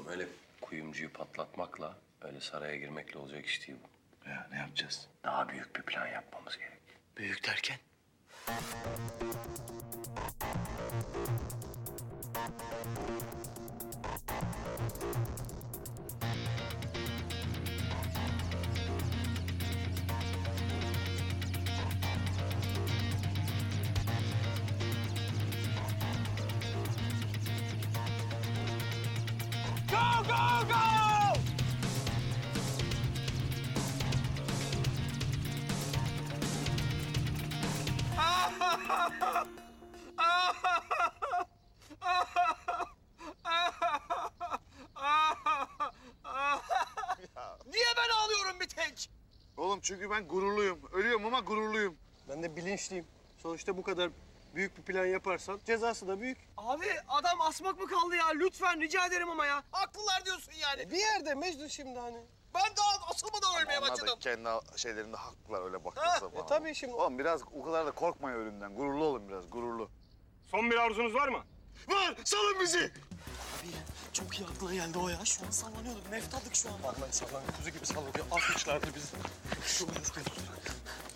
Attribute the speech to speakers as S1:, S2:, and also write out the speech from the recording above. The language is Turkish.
S1: öyle kuyumcuyu patlatmakla, öyle saraya girmekle olacak iş değil bu.
S2: Ya ne yapacağız?
S1: Daha büyük bir plan yapmamız gerek.
S2: Büyük derken?
S3: Go, go, go! Niye ben ağlıyorum bir tek?
S2: Oğlum çünkü ben gururluyum. Ölüyorum ama gururluyum.
S4: Ben de bilinçliyim. Sonuçta bu kadar büyük bir plan yaparsan cezası da büyük.
S3: Abi adam asmak mı kaldı ya? Lütfen rica ederim ama ya. Haklılar diyorsun yani.
S4: Bir yerde Mecnun şimdi hani.
S3: Ben daha asılmadan ölmeye
S2: Onlar da
S3: başladım.
S2: kendi şeylerinde haklılar öyle baktığı zaman.
S4: Tabii şimdi.
S2: Oğlum biraz o kadar da korkmayın ölümden. Gururlu olun biraz, gururlu.
S5: Son bir arzunuz var mı?
S2: Var! Salın bizi!
S4: Abi ya çok iyi aklına geldi o ya. Şu an sallanıyorduk. Meftadık şu an. Vallahi sallan. Kuzu gibi sallanıyor. Atmışlardı bizi. Şu